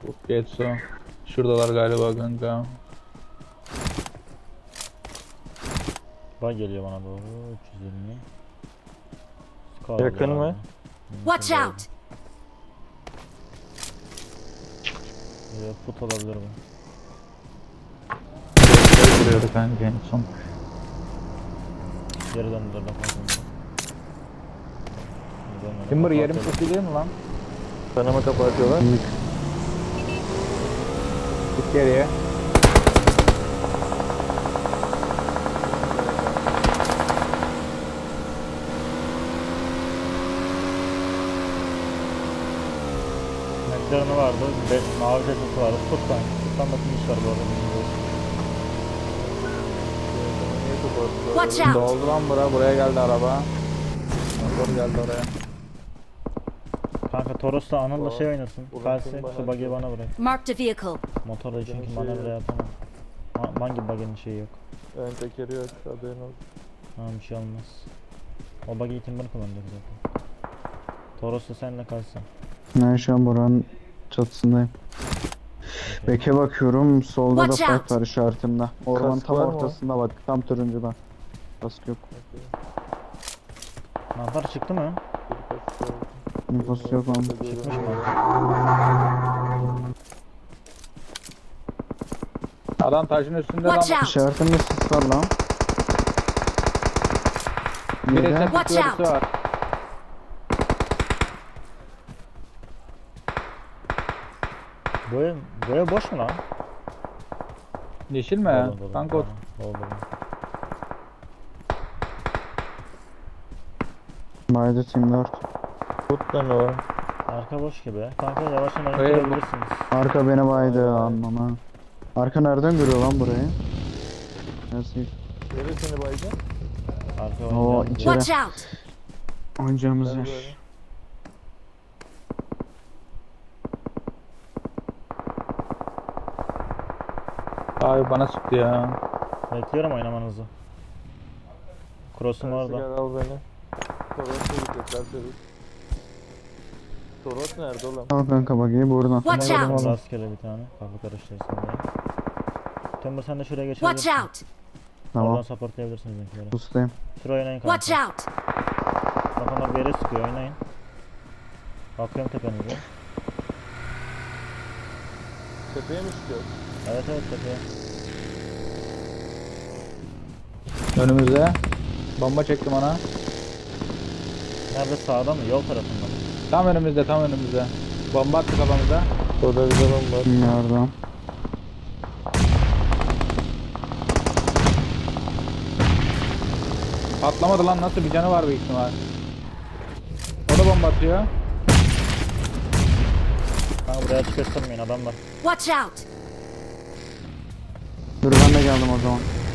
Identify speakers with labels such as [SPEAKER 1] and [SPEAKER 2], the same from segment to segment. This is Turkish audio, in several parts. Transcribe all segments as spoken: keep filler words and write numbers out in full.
[SPEAKER 1] Getso. Şuradalar galiba kanka.
[SPEAKER 2] Bak geliyor bana doğru. üç yüz yirmi. Scar
[SPEAKER 3] Yakın
[SPEAKER 2] var
[SPEAKER 3] mı?
[SPEAKER 2] abi.
[SPEAKER 4] Watch
[SPEAKER 2] Şurada
[SPEAKER 4] out!
[SPEAKER 2] bir Put olabilir bu.
[SPEAKER 1] Getso'yu vuruyordu kanka en son.
[SPEAKER 2] Geri döndüler bak bakalım.
[SPEAKER 1] Timber yerim çok iyi değil mi lan?
[SPEAKER 3] Kanama kapatıyorlar.
[SPEAKER 1] Git geriye.
[SPEAKER 2] McLaren'ı vardı. Be mavi ceketi vardı. Tut kanka. Tuttan da finish var bu arada.
[SPEAKER 4] Watch out!
[SPEAKER 1] Doldu lan bura. Buraya geldi araba. Motor geldi oraya.
[SPEAKER 2] Kanka Toros'la Anıl'la
[SPEAKER 3] Aa,
[SPEAKER 2] şey oynasın.
[SPEAKER 3] ulan
[SPEAKER 2] Kalsi
[SPEAKER 3] kim bana
[SPEAKER 2] şu buggy'i
[SPEAKER 3] diyor?
[SPEAKER 2] bana bırak.
[SPEAKER 4] Marked a vehicle.
[SPEAKER 2] Motorda çünkü
[SPEAKER 3] şey
[SPEAKER 2] manevra
[SPEAKER 3] yok.
[SPEAKER 2] yapamam. Ma hangi buggy'nin şeyi yok.
[SPEAKER 3] Ön tekeri yok, haberin olsun.
[SPEAKER 2] Tamam bir şey olmaz. O buggy'i Timber kullanacak zaten. Toros'la senle kalsın.
[SPEAKER 5] Ben şu an buranın çatısındayım.
[SPEAKER 2] Okay.
[SPEAKER 5] Beke bakıyorum. Solda da
[SPEAKER 4] Watch out.
[SPEAKER 5] fight var işaretimde. Ormanın
[SPEAKER 3] Kask
[SPEAKER 5] tam
[SPEAKER 3] var mı?
[SPEAKER 5] ortasında bak. Tam turuncuda. Kask yok.
[SPEAKER 2] Mantar çıktı mı?
[SPEAKER 5] Nüfus yok ama.
[SPEAKER 2] Çıkmış mı?
[SPEAKER 1] Adam taşın üstünde lan.
[SPEAKER 4] Watch out!
[SPEAKER 5] İşaretimde sis var lan.
[SPEAKER 1] Bir
[SPEAKER 5] Yedi.
[SPEAKER 1] reset
[SPEAKER 4] Watch
[SPEAKER 1] birisi
[SPEAKER 4] out.
[SPEAKER 1] var.
[SPEAKER 2] Bu ev, bu ev boş mu lan?
[SPEAKER 1] Yeşil mi?
[SPEAKER 2] Dolu, dolu,
[SPEAKER 1] Kanka o-
[SPEAKER 2] dolu, dolu.
[SPEAKER 5] Baydı Team dört.
[SPEAKER 3] Tut lan o.
[SPEAKER 2] Arka boş gibi. Kanka yavaştan oyun
[SPEAKER 1] Hayır, bu-
[SPEAKER 2] kurabilirsiniz.
[SPEAKER 5] Arka beni baydı anlama. Arka nereden görüyor lan burayı? Nasıl?
[SPEAKER 3] Neresini baydın?
[SPEAKER 2] Arka
[SPEAKER 5] Oo
[SPEAKER 2] oynayacağım.
[SPEAKER 5] içeri.
[SPEAKER 4] Watch out!
[SPEAKER 5] Oynayacağımız
[SPEAKER 3] Ben
[SPEAKER 5] yer.
[SPEAKER 3] böyle.
[SPEAKER 1] Abi bana sıktı ya.
[SPEAKER 2] Bekliyorum oynamanızı. Cross'um
[SPEAKER 3] Tersi
[SPEAKER 2] orada.
[SPEAKER 3] gel al beni. Toros'a gidecekler çabuk. Toros nerede oğlum?
[SPEAKER 5] Al kanka bakayım buradan.
[SPEAKER 4] Watch
[SPEAKER 2] Vurdum
[SPEAKER 4] out!
[SPEAKER 2] rastgele bir tane. Kafa karıştırsın diye. Timber sen de şuraya
[SPEAKER 4] Watch
[SPEAKER 2] geçebilirsin.
[SPEAKER 4] out!
[SPEAKER 5] Tamam.
[SPEAKER 2] Oradan supportlayabilirsiniz benimkileri.
[SPEAKER 5] Bustayım.
[SPEAKER 2] Şuraya oynayın kanka.
[SPEAKER 4] Watch out!
[SPEAKER 2] Bak onlar bir yere sıkıyor oynayın. Bakıyorum tepenize.
[SPEAKER 3] Tepeye mi çıkıyor?
[SPEAKER 2] Evet evet tepeye.
[SPEAKER 1] Önümüzde. Bomba çektim ona.
[SPEAKER 2] Nerede sağda mı? Yol tarafında mı?
[SPEAKER 1] Tam önümüzde, tam önümüzde. Bomba attı kafamıza.
[SPEAKER 3] Orada bir adam var.
[SPEAKER 5] Yardım.
[SPEAKER 1] Patlamadı lan, nasıl bir canı var büyük ihtimal. O da bomba atıyor.
[SPEAKER 2] Kanka buraya açık göstermeyin adam var.
[SPEAKER 4] Watch out!
[SPEAKER 5] Dur ben de geldim o zaman.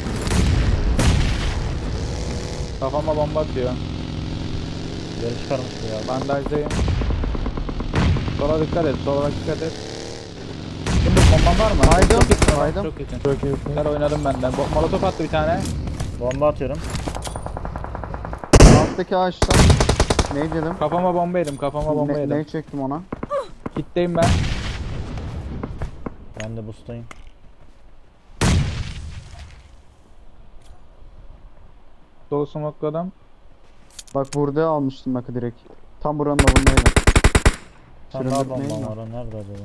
[SPEAKER 1] Kafama bomba atıyor.
[SPEAKER 2] Geri çıkarmış bu ya.
[SPEAKER 1] Bandajdayım. Sola dikkat et, sola dikkat et. Şimdi bomban var mı?
[SPEAKER 5] Haydi,
[SPEAKER 1] Çok iyisin,
[SPEAKER 5] haydi.
[SPEAKER 1] Çok iyisin.
[SPEAKER 3] Çok iyisin.
[SPEAKER 1] Güzel oynadım benden. Bo- Molotof attı bir tane.
[SPEAKER 2] Bomba atıyorum.
[SPEAKER 5] Alttaki ağaçtan. Ne dedim?
[SPEAKER 1] Kafama bomba yedim, kafama bomba
[SPEAKER 5] Ne,
[SPEAKER 1] yedim.
[SPEAKER 5] ne çektim ona?
[SPEAKER 1] Kitleyim ben.
[SPEAKER 2] Ben de boostayım.
[SPEAKER 1] Dolu smokladım.
[SPEAKER 5] Bak burada almıştım bak direkt. Tam buranın avındaydım.
[SPEAKER 2] Tam
[SPEAKER 5] Süründürmeyin
[SPEAKER 2] daha bombam
[SPEAKER 5] mi?
[SPEAKER 2] var o nerede acaba?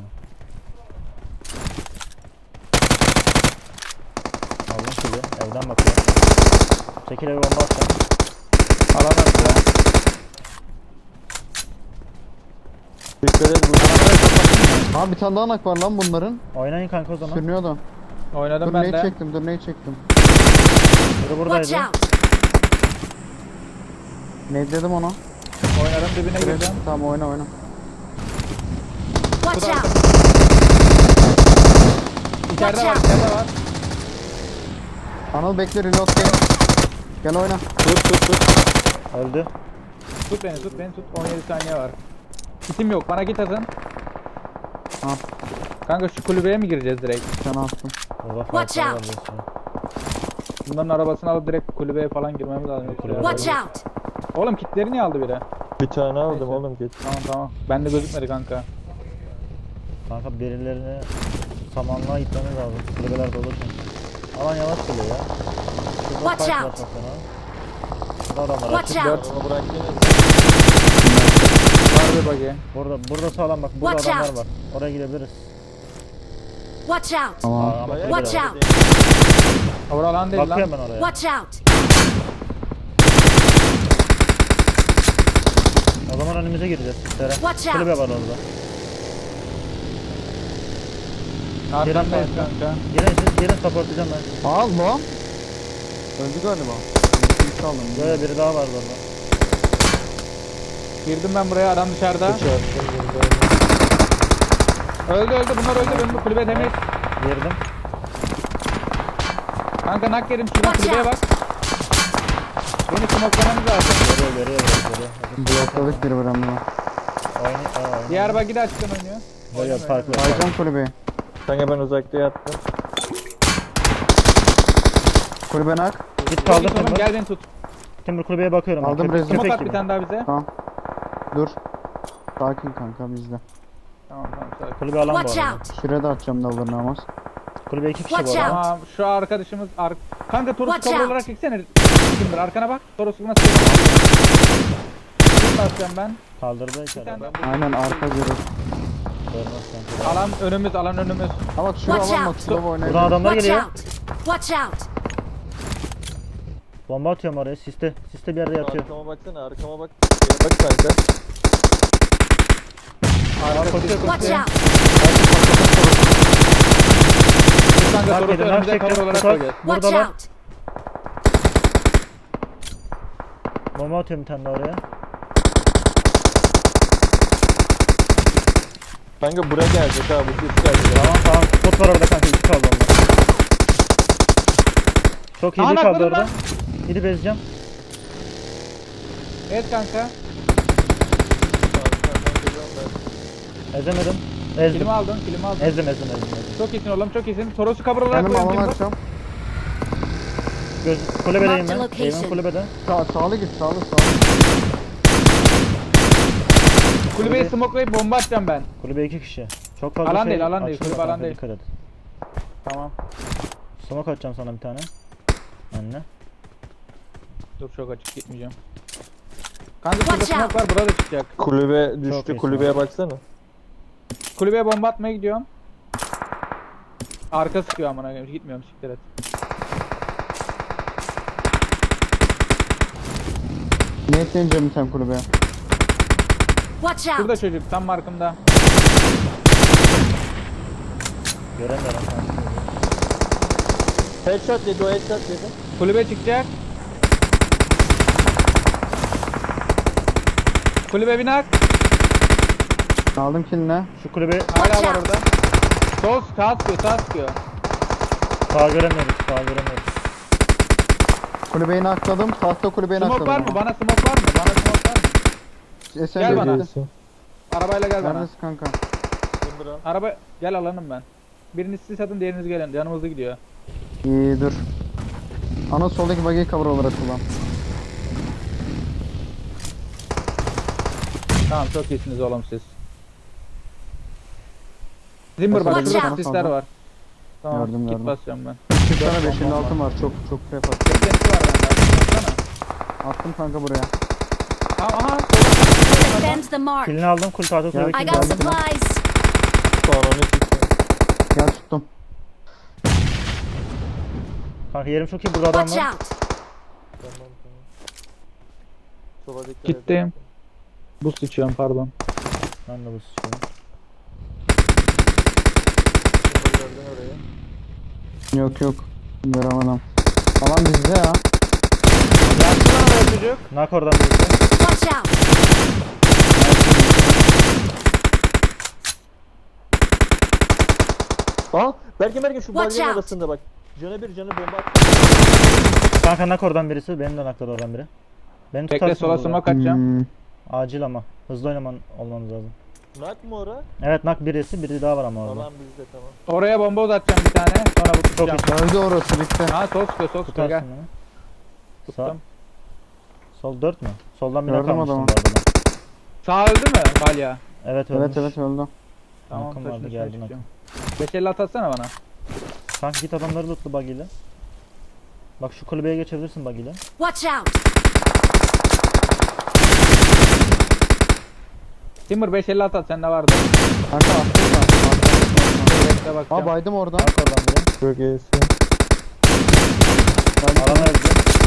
[SPEAKER 2] Aldım şimdi evden bakıyorum. Çekil evi bomba atacağım.
[SPEAKER 1] Alamaz ya.
[SPEAKER 3] Dikkat et bu.
[SPEAKER 5] Ha bir tane daha nak var lan bunların.
[SPEAKER 2] Oynayın kanka o zaman.
[SPEAKER 5] Sürünüyordu.
[SPEAKER 1] Oynadım
[SPEAKER 5] Dur
[SPEAKER 1] ben
[SPEAKER 5] neyi
[SPEAKER 1] de.
[SPEAKER 5] çektim dur neyi çektim.
[SPEAKER 2] Biri
[SPEAKER 4] Watch
[SPEAKER 2] buradaydı.
[SPEAKER 4] out!
[SPEAKER 5] Ne dedim ona?
[SPEAKER 1] Oynadım, dibine girdim.
[SPEAKER 5] Tamam oyna oyna.
[SPEAKER 4] Watch out!
[SPEAKER 1] İçeride var,
[SPEAKER 4] Watch out.
[SPEAKER 1] içeride var.
[SPEAKER 5] Anıl bekle reload gel. Gel oyna.
[SPEAKER 1] Tut tut tut.
[SPEAKER 2] Öldü.
[SPEAKER 1] Tut beni, tut beni, tut. on yedi saniye var. Kitim yok, bana git atın.
[SPEAKER 5] Al
[SPEAKER 1] Kanka şu kulübeye mi gireceğiz direkt?
[SPEAKER 5] sana attım.
[SPEAKER 2] Burada
[SPEAKER 4] Watch
[SPEAKER 2] fight'lar var
[SPEAKER 4] out.
[SPEAKER 2] diyorsun.
[SPEAKER 1] Bunların arabasını alıp direkt kulübeye falan girmemiz lazım. Yoksa
[SPEAKER 2] Kulübe
[SPEAKER 1] biraz-
[SPEAKER 4] Watch out!
[SPEAKER 1] Oğlum kitleri niye aldı biri?
[SPEAKER 3] Bir tane aldım
[SPEAKER 1] Neyse.
[SPEAKER 3] oğlum geç.
[SPEAKER 1] Tamam tamam. Bende gözükmedi kanka.
[SPEAKER 2] Kanka birilerine samanlığa gitmemiz lazım. Kulübeler dolu çünkü. Alan yavaş geliyor ya. Şurada
[SPEAKER 4] Watch
[SPEAKER 2] fight var
[SPEAKER 4] out.
[SPEAKER 2] çok fena. Şurada adamlar.
[SPEAKER 4] Watch
[SPEAKER 2] Açık
[SPEAKER 4] out.
[SPEAKER 2] dört.
[SPEAKER 3] Araba bıraktınız.
[SPEAKER 1] Var bir bagi.
[SPEAKER 2] Burada, burada sağlam bak. Burada
[SPEAKER 4] Watch
[SPEAKER 2] adamlar
[SPEAKER 4] out.
[SPEAKER 2] var. Oraya gidebiliriz.
[SPEAKER 4] Watch out!
[SPEAKER 5] Tamam.
[SPEAKER 2] Aa, ama
[SPEAKER 3] Bayağı
[SPEAKER 4] Watch
[SPEAKER 3] güzel.
[SPEAKER 4] out.
[SPEAKER 1] Orada alan değil lan.
[SPEAKER 2] bakıyorum ben oraya.
[SPEAKER 4] Watch out!
[SPEAKER 2] O zaman önümüze gireceğiz. Sere.
[SPEAKER 4] Watch out.
[SPEAKER 2] Kulübe var orada.
[SPEAKER 1] Arkandayız
[SPEAKER 2] Gelin
[SPEAKER 1] kanka.
[SPEAKER 2] Gelin siz gelin supportlayacağım ben.
[SPEAKER 5] Al lan. Öldü galiba. Bir aldım.
[SPEAKER 2] Böyle biri daha vardı orada.
[SPEAKER 1] Girdim ben buraya, adam dışarıda.
[SPEAKER 3] Çarptım
[SPEAKER 1] Öldü öldü, bunlar öldü. Benim bu kulübe temiz.
[SPEAKER 2] Girdim.
[SPEAKER 1] Kanka nak yedim, şuradan
[SPEAKER 4] Watch
[SPEAKER 1] kulübeye bak. Beni smoklamamız lazım.
[SPEAKER 2] Görüyor görüyor görüyor. görüyor.
[SPEAKER 5] Blokladık bir buramda.
[SPEAKER 2] Oyna, aa, oyna.
[SPEAKER 1] Diğer bagi de açıktan oynuyor.
[SPEAKER 2] Böyle farklı.
[SPEAKER 5] Baycan kulübeyi.
[SPEAKER 3] Kanka ben uzakta yattım.
[SPEAKER 5] Kulübe nak.
[SPEAKER 2] Git
[SPEAKER 1] Kaldır
[SPEAKER 2] kaldır Timur.
[SPEAKER 1] gel beni tut.
[SPEAKER 2] Timur kulübeye bakıyorum.
[SPEAKER 5] Aldım
[SPEAKER 2] Köpek-
[SPEAKER 5] rezil.
[SPEAKER 1] Smoke
[SPEAKER 2] köpek
[SPEAKER 1] at bir
[SPEAKER 2] gibi.
[SPEAKER 1] tane daha bize.
[SPEAKER 5] Tamam. Dur. Sakin kanka bizde.
[SPEAKER 1] Tamam tamam sakin.
[SPEAKER 2] Kulübe alan bu
[SPEAKER 4] Watch
[SPEAKER 2] arada.
[SPEAKER 4] out!
[SPEAKER 5] Şuraya da atacağım dallarını ama.
[SPEAKER 2] Kulübe iki kişi bu
[SPEAKER 4] Watch
[SPEAKER 2] arada.
[SPEAKER 4] out.
[SPEAKER 1] Tamam şu arkadaşımız ar kanka Toros'u
[SPEAKER 4] Watch
[SPEAKER 1] kabul
[SPEAKER 4] out.
[SPEAKER 1] olarak çeksene. Kimdir arkana bak. Toros'u nasıl Kim basacağım ben?
[SPEAKER 2] Kaldırdı içeri.
[SPEAKER 1] tane-
[SPEAKER 2] Ben
[SPEAKER 5] Aynen arka görür.
[SPEAKER 2] görmez kanka.
[SPEAKER 1] Alan önümüz, alan önümüz.
[SPEAKER 5] Ha bak şuraya
[SPEAKER 4] Watch
[SPEAKER 5] alan bak.
[SPEAKER 4] out.
[SPEAKER 5] Slova
[SPEAKER 2] Buradan
[SPEAKER 5] oynayabilir.
[SPEAKER 2] adamlar
[SPEAKER 4] Watch
[SPEAKER 2] geliyor.
[SPEAKER 4] out! Watch out!
[SPEAKER 2] Bomba atıyorum oraya. Siste. Siste bir yerde yatıyor.
[SPEAKER 3] Arkama baksana, arkama bak. Şeye bak kanka.
[SPEAKER 1] Arka koşuyor
[SPEAKER 4] Watch
[SPEAKER 1] koşuyor.
[SPEAKER 4] out!
[SPEAKER 1] Kanka
[SPEAKER 2] Fark
[SPEAKER 1] Toros'u
[SPEAKER 2] edin. Nak
[SPEAKER 1] önümüze kabul
[SPEAKER 2] çekeceğim.
[SPEAKER 1] olarak
[SPEAKER 2] Tutak.
[SPEAKER 1] koyacağız.
[SPEAKER 4] Watch
[SPEAKER 2] Burada var.
[SPEAKER 4] out!
[SPEAKER 2] Bomba atıyorum bir tane daha oraya.
[SPEAKER 3] Kanka buraya gelecek ha, bu ses gelecek.
[SPEAKER 2] Tamam tamam. Pot var orada kanka. İki kaldı onlar. Çok iyi
[SPEAKER 1] Aa,
[SPEAKER 2] bir kaldı
[SPEAKER 1] nakladım
[SPEAKER 2] orada.
[SPEAKER 1] lan.
[SPEAKER 2] Gidip ezeceğim.
[SPEAKER 1] Evet kanka.
[SPEAKER 2] Ezemedim. Ezdim.
[SPEAKER 1] Kilimi aldın, kilimi aldın.
[SPEAKER 2] Ezdim ezdim ezdim. ezdim.
[SPEAKER 1] Çok iyisin oğlum, çok iyisin. Toros'u kabul olarak
[SPEAKER 5] Benim
[SPEAKER 1] koyun.
[SPEAKER 5] alan
[SPEAKER 1] Timur.
[SPEAKER 5] açacağım.
[SPEAKER 2] Göz, kulübedeyim
[SPEAKER 4] Mark the
[SPEAKER 2] ben.
[SPEAKER 4] location.
[SPEAKER 2] Eğimin kulübede.
[SPEAKER 5] Sağ, sağlı git sağlı sağlı.
[SPEAKER 1] Kulübeyi
[SPEAKER 2] Kulübe-
[SPEAKER 1] smokelayıp bomba atacağım ben.
[SPEAKER 2] Kulübe iki kişi. Çok fazla
[SPEAKER 1] Alan
[SPEAKER 2] şey
[SPEAKER 1] değil, alan değil,
[SPEAKER 2] açılıyor
[SPEAKER 1] kulübe alan
[SPEAKER 2] kanka,
[SPEAKER 1] değil.
[SPEAKER 2] dikkat et.
[SPEAKER 1] Tamam.
[SPEAKER 2] Smoke atacağım sana bir tane. Önüne.
[SPEAKER 1] Dur çok açık gitmeyeceğim. Kanka şurada
[SPEAKER 4] Watch
[SPEAKER 1] smoke var, burada çıkacak.
[SPEAKER 3] Kulübe
[SPEAKER 2] Çok
[SPEAKER 3] düştü,
[SPEAKER 2] iyi
[SPEAKER 3] kulübeye baksana.
[SPEAKER 1] Kulübeye bomba atmaya gidiyorum. Arka sıkıyor amına koyayım. Gitmiyorum, siktir et.
[SPEAKER 5] Niyetleyince mi sen kulübeye?
[SPEAKER 4] Watch out!
[SPEAKER 1] Şurada çocuk tam markımda.
[SPEAKER 2] Göremiyorum kanka.
[SPEAKER 3] Headshot dedi, o headshot dedi.
[SPEAKER 1] Kulübe çıkacak. Kulübe binak.
[SPEAKER 5] Aldım kilini.
[SPEAKER 2] Şu kulübe
[SPEAKER 1] Hala
[SPEAKER 4] Watch
[SPEAKER 1] var
[SPEAKER 4] out.
[SPEAKER 1] orada. Sol sağ sıkıyor, sağ sıkıyor.
[SPEAKER 2] sağ göremiyoruz. Sağ göremiyoruz.
[SPEAKER 5] Kulübeyi nakladım. Tahta kulübeyi nakladım.
[SPEAKER 1] Smoke var mı? Bana smoke var mı? Bana smoke var mı?
[SPEAKER 5] Esen
[SPEAKER 1] Gel bana.
[SPEAKER 5] gitti.
[SPEAKER 1] Arabayla gel bana.
[SPEAKER 5] Neredesin kanka?
[SPEAKER 3] Timber'a.
[SPEAKER 1] Araba gel alanım ben. Biriniz siz satın, diğeriniz gelin. Yanımızda gidiyor.
[SPEAKER 5] İyi dur. Ana soldaki bagiyi cover olarak kullan.
[SPEAKER 1] Tamam çok iyisiniz oğlum siz. Zimmer bak
[SPEAKER 4] Watch
[SPEAKER 1] şurada
[SPEAKER 4] out.
[SPEAKER 1] sisler var. Tamam
[SPEAKER 5] Gördüm,
[SPEAKER 1] kit
[SPEAKER 5] gördüm.
[SPEAKER 1] basacağım ben.
[SPEAKER 5] Bir tane beş elli altı var. Çok çok prep attım.
[SPEAKER 1] Beklenti var bende. Baksana.
[SPEAKER 5] Attım kanka buraya.
[SPEAKER 1] Tamam aha. sola.
[SPEAKER 4] Defend the mark!
[SPEAKER 2] Kilini aldım. Kul tahta kulübe
[SPEAKER 5] Gel.
[SPEAKER 4] I
[SPEAKER 2] kilini
[SPEAKER 4] got
[SPEAKER 2] aldım.
[SPEAKER 4] supplies!
[SPEAKER 3] Sonra onu çıksın.
[SPEAKER 5] Gel tuttum.
[SPEAKER 2] Kanka yerim çok iyi. Burada adam
[SPEAKER 4] Watch
[SPEAKER 2] var.
[SPEAKER 4] out!
[SPEAKER 3] Tamam tamam. Sola dikkat et.
[SPEAKER 1] Gittim. Boost içiyorum pardon.
[SPEAKER 2] Ben de bu sıçıyorum.
[SPEAKER 3] Timber gördün orayı.
[SPEAKER 5] Yok yok. Göremedim. Alan bizde ya.
[SPEAKER 1] Yaktı lan oraya çocuk.
[SPEAKER 2] Nak oradan birisi.
[SPEAKER 4] Watch out!
[SPEAKER 3] Aa, Berke Berke şu
[SPEAKER 4] Watch
[SPEAKER 3] balyanın
[SPEAKER 4] out.
[SPEAKER 3] arasında bak. Canı bir canı bomba at.
[SPEAKER 2] Kanka nak oradan birisi. Benim de nakladı oradan biri. Beni
[SPEAKER 1] Bekle
[SPEAKER 2] tutarsın
[SPEAKER 1] sola
[SPEAKER 2] burada.
[SPEAKER 1] smoke atacağım.
[SPEAKER 5] Hmm.
[SPEAKER 2] Acil ama. Hızlı oynaman olmamız lazım.
[SPEAKER 3] Nak mı ora?
[SPEAKER 2] Evet nak birisi. Biri daha var ama orada.
[SPEAKER 3] Alan bizde tamam.
[SPEAKER 1] Oraya bomba uzatacağım bir tane. Sonra bu tutacağım.
[SPEAKER 2] iyi.
[SPEAKER 5] Öldü orası bitti.
[SPEAKER 1] Ha sol sıkıyor, sol sıkıyor gel.
[SPEAKER 2] Tutarsın beni. Sağ.
[SPEAKER 1] Tuttum.
[SPEAKER 2] Sol dört mü? Soldan bir
[SPEAKER 5] Gördüm
[SPEAKER 2] nak almıştım
[SPEAKER 5] adamı.
[SPEAKER 2] bu arada ben.
[SPEAKER 1] Sağ öldü mü Balya?
[SPEAKER 2] Evet ölmüş.
[SPEAKER 5] Evet evet öldü.
[SPEAKER 1] Tamam
[SPEAKER 2] Akın
[SPEAKER 1] taşın
[SPEAKER 2] vardı,
[SPEAKER 1] üstüne
[SPEAKER 2] geldin
[SPEAKER 1] çıkıyorum. beş elli atsana bana.
[SPEAKER 2] Kanka git adamları lootlu buggy'le. Bak şu kulübeye geçebilirsin buggy'le.
[SPEAKER 4] Watch out!
[SPEAKER 1] Timur beş elli at at sende vardı.
[SPEAKER 5] Kanka attım ben.
[SPEAKER 1] Bekle
[SPEAKER 5] Ha
[SPEAKER 1] bakacağım.
[SPEAKER 5] baydım oradan.
[SPEAKER 2] Bak oradan biri.
[SPEAKER 5] Çok iyisin.
[SPEAKER 2] Alana öldü.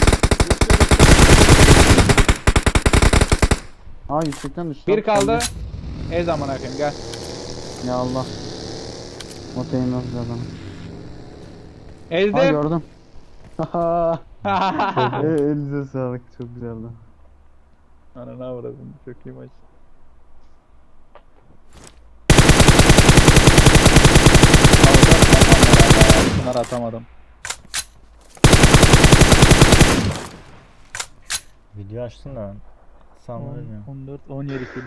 [SPEAKER 5] Aa yüksekten düştü.
[SPEAKER 1] Bir kaldı. Ez amına koyayım gel.
[SPEAKER 5] Ya Allah. Oteyim yok adam. Ha
[SPEAKER 1] Ezdim.
[SPEAKER 5] gördüm. Haha. E, elinize sağlık, çok güzeldi.
[SPEAKER 1] Ananı avradım. Çok iyi maç. Bunları atamadım.
[SPEAKER 2] Video açtın da. Sanmıyorum ya.
[SPEAKER 1] on dört on yedi kill.